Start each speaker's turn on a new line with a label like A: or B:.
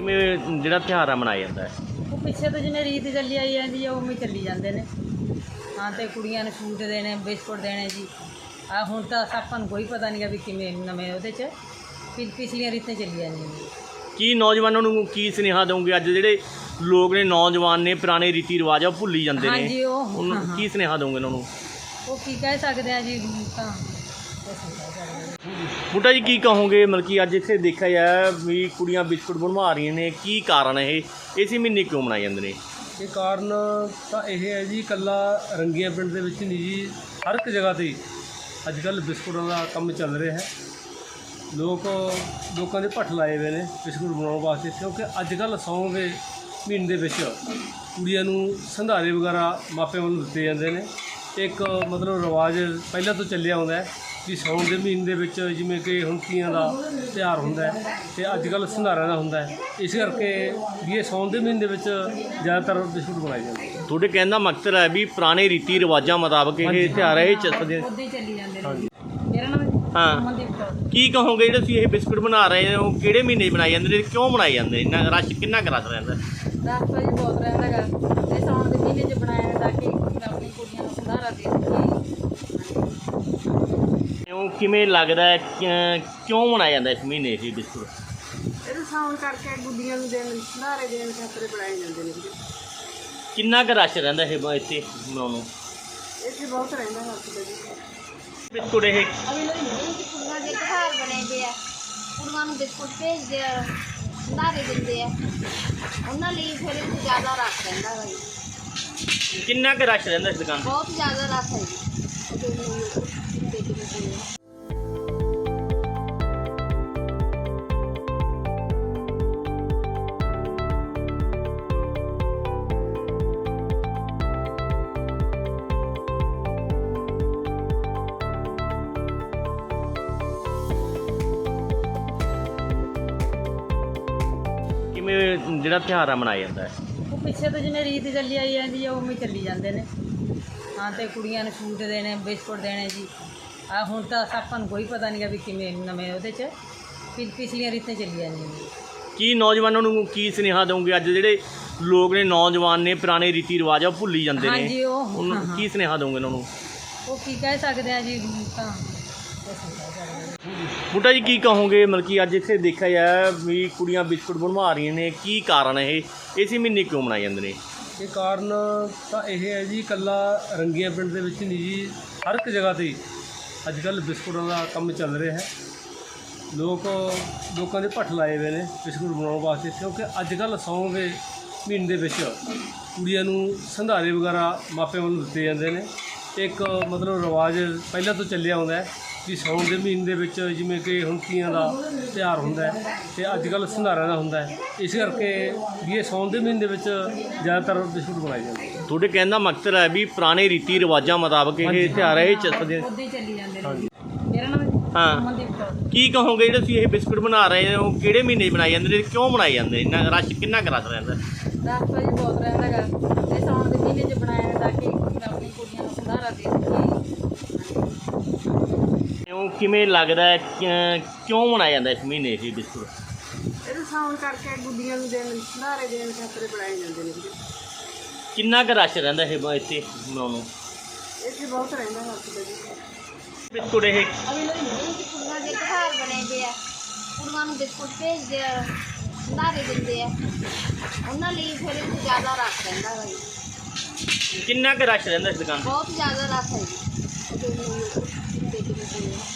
A: ਕਿਵੇਂ ਜਿਹੜਾ ਤਿਉਹਾਰ ਆ ਮਨਾਇਆ ਜਾਂਦਾ ਹੈ?
B: ਉਹ ਪਿੱਛੇ ਤੋਂ ਜਿਵੇਂ ਰੀਤ ਚੱਲੀ ਆਈ ਜਾਂਦੀ ਹੈ ਉਵੇਂ ਚੱਲੀ ਜਾਂਦੇ ਨੇ। ਹਾਂ ਤੇ ਕੁੜੀਆਂ ਨੂੰ ਸੂਟ ਦੇਣੇ, ਬਿਸਕੁਟ ਦੇਣੇ ਜੀ। ਆ ਹੁਣ ਤਾਂ ਆਪਾਂ ਨੂੰ ਕੋਈ ਪਤਾ ਨਹੀਂ ਗਾ ਵੀ ਕਿਵੇਂ ਨਵੇਂ ਉਹਦੇ 'ਚ ਪਿਛਲੀਆਂ ਰੀਤਾਂ ਚੱਲੀ ਜਾਂਦੀਆਂ ਨੇ।
A: ਕੀ ਨੌਜਵਾਨਾਂ ਨੂੰ ਕੀ ਸੁਨੇਹਾ ਦਊਂਗੇ? ਅੱਜ ਜਿਹੜੇ ਲੋਕ ਨੇ, ਨੌਜਵਾਨ ਨੇ, ਪੁਰਾਣੇ ਰੀਤੀ ਰਿਵਾਜ ਆ ਉਹ ਭੁੱਲੀ ਜਾਂਦੇ ਨੇ।
B: ਹਾਂਜੀ ਉਹ
A: ਉਹਨੂੰ ਕੀ ਸੁਨੇਹਾ ਦਊਂਗੇ ਉਹਨਾਂ ਨੂੰ?
B: ਉਹ ਕੀ ਕਹਿ ਸਕਦੇ ਆ ਜੀ, ਹੁਣ ਤਾਂ ਕੁਛ ਨਹੀਂ ਕਹਿ ਸਕਦੇ।
A: ਬੂਟਾ ਜੀ ਕੀ ਕਹੋਗੇ? ਮਤਲਬ ਕਿ ਅੱਜ ਇੱਥੇ ਦੇਖਿਆ ਜਾਏ ਵੀ ਕੁੜੀਆਂ ਬਿਸਕੁਟ ਬਣਵਾ ਰਹੀਆਂ ਨੇ, ਕੀ ਕਾਰਨ ਇਹ ਇਸੇ ਮਹੀਨੇ ਕਿਉਂ ਮਨਾਏ ਜਾਂਦੇ ਨੇ?
C: ਇਹ ਕਾਰਨ ਤਾਂ ਇਹ ਹੈ ਜੀ, ਇਕੱਲਾ ਰੰਗੀਆਂ ਪਿੰਡ ਦੇ ਵਿੱਚ ਨਹੀਂ ਜੀ, ਹਰ ਇੱਕ ਜਗ੍ਹਾ 'ਤੇ ਅੱਜ ਕੱਲ੍ਹ ਬਿਸਕੁਟਾਂ ਦਾ ਕੰਮ ਚੱਲ ਰਿਹਾ ਹੈ। ਲੋਕਾਂ ਦੇ ਭੱਠ ਲਾਏ ਹੋਏ ਨੇ ਬਿਸਕੁਟ ਬਣਾਉਣ ਵਾਸਤੇ, ਕਿਉਂਕਿ ਅੱਜ ਕੱਲ੍ਹ ਸਾਉਣ ਦੇ ਮਹੀਨੇ ਦੇ ਵਿੱਚ ਕੁੜੀਆਂ ਨੂੰ ਸੰਧਾਰੇ ਵਗੈਰਾ ਮਾਪਿਆਂ ਵੱਲੋਂ ਦਿੱਤੇ ਜਾਂਦੇ ਨੇ। ਇੱਕ ਮਤਲਬ ਰਿਵਾਜ ਪਹਿਲਾਂ ਤੋਂ ਚੱਲਿਆ ਆਉਂਦਾ ਹੈ ਵੀ ਸਾਉਣ ਦੇ ਮਹੀਨੇ ਦੇ ਵਿੱਚ ਜਿਵੇਂ ਕਿ ਹੁਣ ਤੀਆਂ ਦਾ ਤਿਉਹਾਰ ਹੁੰਦਾ ਹੈ ਅਤੇ ਅੱਜ ਕੱਲ੍ਹ ਸੰਧਾਰਿਆਂ ਦਾ ਹੁੰਦਾ ਹੈ। ਇਸ ਕਰਕੇ ਵੀ ਇਹ ਸਾਉਣ ਦੇ ਮਹੀਨੇ ਦੇ ਵਿੱਚ ਜ਼ਿਆਦਾਤਰ ਬਿਸਕੁਟ ਬਣਾਏ ਜਾਂਦੇ ਨੇ।
A: ਤੁਹਾਡੇ ਕਹਿਣ ਦਾ ਮਕਸਦ ਹੈ ਵੀ ਪੁਰਾਣੇ ਰੀਤੀ ਰਿਵਾਜਾਂ ਮੁਤਾਬਕ ਇਹ ਤਿਉਹਾਰ ਹੈ, ਇਹ ਚੱਲਦੇ।
B: ਉੱਦਾਂ ਹੀ ਚੱਲੀ ਜਾਂਦੇ ਨੇ। ਮੇਰਾ ਨਾਮ
A: ਹਾਂ,
B: ਅਮਨਦੀਪ ਕੌਰ।
A: ਕੀ ਕਹੋਗੇ ਜਿਹੜੇ ਤੁਸੀਂ ਇਹ ਬਿਸਕੁਟ ਬਣਾ ਰਹੇ ਹੋ, ਕਿਹੜੇ ਮਹੀਨੇ ਬਣਾਏ ਜਾਂਦੇ ਨੇ, ਕਿਉਂ ਬਣਾਏ ਜਾਂਦੇ? ਇੰਨਾ ਰਸ਼ ਕਿੰਨਾ ਕੁ ਰਸ਼ ਰਹਿੰਦਾ?
B: ਰਸ਼ ਤਾਂ ਜੀ ਬਹੁਤ ਰਹਿੰਦਾ ਗਾ। ਇਹ ਸਾਉਣ ਦੇ ਮਹੀਨੇ 'ਚ ਬਣਾਇਆ ਤਾਂ ਕਿ ਆਪਣੀ ਕੁੜੀਆਂ ਨੂੰ ਸੰਧਾਰਾ ਦੇ ਸਕੀਏ।
A: ਕਿਉਂ, ਕਿਵੇਂ ਲੱਗਦਾ ਹੈ ਕਿਉਂ ਬਣਾਇਆ ਜਾਂਦਾ ਇਸ ਮਹੀਨੇ ਇਹ ਬਿਸਕੁਟ?
B: ਇਹਨੂੰ ਸਾਉਣ ਕਰਕੇ ਗੁੱਡੀਆਂ ਨੂੰ ਦੇਣ, ਸੰਧਾਰੇ ਦੇਣ ਖਾਤਰ ਬਣਾਏ ਜਾਂਦੇ ਨੇ।
A: ਕਿੰਨਾ ਕੁ ਰਸ਼ ਰਹਿੰਦਾ ਇਹ ਇੱਥੇ ਬਣਾਉਣ ਨੂੰ?
B: ਇੱਥੇ ਬਹੁਤ ਰਹਿੰਦਾ ਰਸ਼ ਦਾ ਜੀ।
A: ਬਿਸਕੁਟ ਇਹ
D: ਕੁੜੀਆਂ ਦੇ ਤਿਉਹਾਰ ਬਣੇ ਪਏ ਆ, ਕੁੜੀਆਂ ਨੂੰ ਬਿਸਕੁਟ ਭੇਜਦੇ ਆ, ਸੰਧਾਰੇ ਦਿੰਦੇ ਆ, ਉਹਨਾਂ ਲਈ ਫਿਰ ਇਹ ਜ਼ਿਆਦਾ ਰਸ਼ ਰਹਿੰਦਾ ਵਾ ਜੀ।
A: ਕਿੰਨਾ ਕੁ ਰਸ਼ ਰਹਿੰਦਾ ਇਸ ਦੁਕਾਨ 'ਤੇ?
D: ਬਹੁਤ ਜ਼ਿਆਦਾ ਰਸ਼ ਹੈ ਜੀ।
A: ਕਿਵੇਂ ਜਿਹੜਾ ਤਿਉਹਾਰ ਆ ਮਨਾਇਆ ਜਾਂਦਾ ਹੈ?
B: ਉਹ ਪਿੱਛੇ ਤੋਂ ਜਿਵੇਂ ਰੀਤ ਚੱਲੀ ਆਈ ਜਾਂਦੀ ਹੈ ਉਵੇਂ ਚੱਲੀ ਜਾਂਦੇ ਨੇ। ਹਾਂ ਤੇ ਕੁੜੀਆਂ ਨੂੰ ਸੂਟ ਦੇਣੇ, ਬਿਸਕੁਟ ਦੇਣੇ ਜੀ। ਆ ਹੁਣ ਤਾਂ ਆਪਾਂ ਨੂੰ ਕੋਈ ਪਤਾ ਨਹੀਂ ਗਾ ਵੀ ਕਿਵੇਂ ਨਵੇਂ ਉਹਦੇ 'ਚ ਪਿਛਲੀਆਂ ਰੀਤਾਂ ਚੱਲੀ ਜਾਂਦੀਆਂ ਨੇ।
A: ਕੀ ਨੌਜਵਾਨਾਂ ਨੂੰ ਕੀ ਸੁਨੇਹਾ ਦਊਂਗੇ? ਅੱਜ ਜਿਹੜੇ ਲੋਕ ਨੇ, ਨੌਜਵਾਨ ਨੇ, ਪੁਰਾਣੇ ਰੀਤੀ ਰਿਵਾਜ ਆ ਉਹ ਭੁੱਲੀ ਜਾਂਦੇ ਨੇ।
B: ਹਾਂਜੀ ਉਹ
A: ਉਹਨੂੰ ਕੀ ਸੁਨੇਹਾ ਦਊਂਗੇ ਉਹਨਾਂ ਨੂੰ?
B: ਉਹ ਕੀ ਕਹਿ ਸਕਦੇ ਆ ਜੀ, ਹੁਣ ਤਾਂ ਕੁਛ ਨਹੀਂ ਕਹਿ ਸਕਦੇ।
A: ਬੂਟਾ ਜੀ ਕੀ ਕਹੋਗੇ? ਮਤਲਬ ਕਿ ਅੱਜ ਇੱਥੇ ਦੇਖਿਆ ਜਾਏ ਵੀ ਕੁੜੀਆਂ ਬਿਸਕੁਟ ਬਣਵਾ ਰਹੀਆਂ ਨੇ, ਕੀ ਕਾਰਨ ਇਹ ਇਸੇ ਮਹੀਨੇ ਕਿਉਂ ਮਨਾਏ ਜਾਂਦੇ ਨੇ?
C: ਇਹ ਕਾਰਨ ਤਾਂ ਇਹ ਹੈ ਜੀ, ਇਕੱਲਾ ਰੰਗੀਆਂ ਪਿੰਡ ਦੇ ਵਿੱਚ ਨਹੀਂ ਜੀ, ਹਰ ਇੱਕ ਜਗ੍ਹਾ 'ਤੇ ਅੱਜ ਕੱਲ੍ਹ ਬਿਸਕੁਟਾਂ ਦਾ ਕੰਮ ਚੱਲ ਰਿਹਾ ਹੈ। ਲੋਕਾਂ ਦੇ ਭੱਠ ਲਾਏ ਹੋਏ ਨੇ ਬਿਸਕੁਟ ਬਣਾਉਣ ਵਾਸਤੇ, ਕਿਉਂਕਿ ਅੱਜ ਕੱਲ੍ਹ ਸਾਉਣ ਦੇ ਮਹੀਨੇ ਦੇ ਵਿੱਚ ਕੁੜੀਆਂ ਨੂੰ ਸੰਧਾਰੇ ਵਗੈਰਾ ਮਾਪਿਆਂ ਵੱਲੋਂ ਦਿੱਤੇ ਜਾਂਦੇ ਨੇ। ਇੱਕ ਮਤਲਬ ਰਿਵਾਜ ਪਹਿਲਾਂ ਤੋਂ ਚੱਲਿਆ ਆਉਂਦਾ ਹੈ ਵੀ ਸਾਉਣ ਦੇ ਮਹੀਨੇ ਦੇ ਵਿੱਚ ਜਿਵੇਂ ਕਿ ਹੁਣ ਤੀਆਂ ਦਾ ਤਿਉਹਾਰ ਹੁੰਦਾ ਹੈ ਅਤੇ ਅੱਜ ਕੱਲ੍ਹ ਸੰਧਾਰਿਆਂ ਦਾ ਹੁੰਦਾ ਹੈ। ਇਸ ਕਰਕੇ ਵੀ ਇਹ ਸਾਉਣ ਦੇ ਮਹੀਨੇ ਦੇ ਵਿੱਚ ਜ਼ਿਆਦਾਤਰ ਬਿਸਕੁਟ ਬਣਾਏ ਜਾਂਦੇ ਨੇ।
A: ਤੁਹਾਡੇ ਕਹਿਣ ਦਾ ਮਕਸਦ ਹੈ ਵੀ ਪੁਰਾਣੇ ਰੀਤੀ ਰਿਵਾਜਾਂ ਮੁਤਾਬਕ ਇਹ ਤਿਉਹਾਰ ਹੈ, ਇਹ ਚੱਲਦੇ।
B: ਉੱਦਾਂ ਹੀ ਚੱਲੀ ਜਾਂਦੇ ਨੇ। ਮੇਰਾ ਨਾਮ
A: ਹਾਂ,
B: ਅਮਨਦੀਪ ਕੌਰ।
A: ਕੀ ਕਹੋਗੇ ਜਿਹੜੇ ਤੁਸੀਂ ਇਹ ਬਿਸਕੁਟ ਬਣਾ ਰਹੇ ਹੋ, ਕਿਹੜੇ ਮਹੀਨੇ ਬਣਾਏ ਜਾਂਦੇ ਨੇ, ਕਿਉਂ ਬਣਾਏ ਜਾਂਦੇ? ਇੰਨਾ ਰਸ਼ ਕਿੰਨਾ ਕੁ ਰਸ਼ ਰਹਿੰਦਾ?
B: ਰਸ਼ ਤਾਂ ਜੀ ਬਹੁਤ ਰਹਿੰਦਾ ਗਾ। ਇਹ ਸਾਉਣ ਦੇ ਮਹੀਨੇ 'ਚ ਬਣਾਇਆ ਤਾਂ ਕਿ ਆਪਣੀ ਕੁੜੀਆਂ ਨੂੰ ਸੰਧਾਰਾ ਦੇ ਸਕੀਏ।
A: ਕਿਉਂ, ਕਿਵੇਂ ਲੱਗਦਾ ਹੈ ਕਿਉਂ ਮਨਾਇਆ ਜਾਂਦਾ ਇਸ ਮਹੀਨੇ ਇਹ ਬਿਸਕੁਟ?
B: ਇਹਨੂੰ ਸਾਉਣ ਕਰਕੇ ਗੁੱਡੀਆਂ ਨੂੰ ਦੇਣ, ਸੰਧਾਰੇ ਦੇਣ ਖਾਤਰ ਬਣਾਏ ਜਾਂਦੇ ਨੇ।
A: ਕਿੰਨਾ ਕੁ ਰਸ਼ ਰਹਿੰਦਾ ਇਹ ਇੱਥੇ ਬਣਾਉਣ ਨੂੰ?
B: ਇੱਥੇ ਬਹੁਤ ਰਹਿੰਦਾ ਰਸ਼ ਦਾ ਜੀ।
A: ਬਿਸਕੁਟ ਇਹ
D: ਕੁੜੀਆਂ ਦੇ ਤਿਉਹਾਰ ਬਣੇ ਪਏ ਆ, ਕੁੜੀਆਂ ਨੂੰ ਬਿਸਕੁਟ ਭੇਜਦੇ ਆ, ਸੰਧਾਰੇ ਦਿੰਦੇ ਆ, ਉਹਨਾਂ ਲਈ ਫਿਰ ਇਹ ਜ਼ਿਆਦਾ ਰਸ਼ ਰਹਿੰਦਾ ਵਾ ਜੀ।
A: ਕਿੰਨਾ ਕੁ ਰਸ਼ ਰਹਿੰਦਾ ਇਸ ਦੁਕਾਨ 'ਤੇ?
D: ਬਹੁਤ ਜ਼ਿਆਦਾ ਰਸ਼ ਹੈ ਜੀ।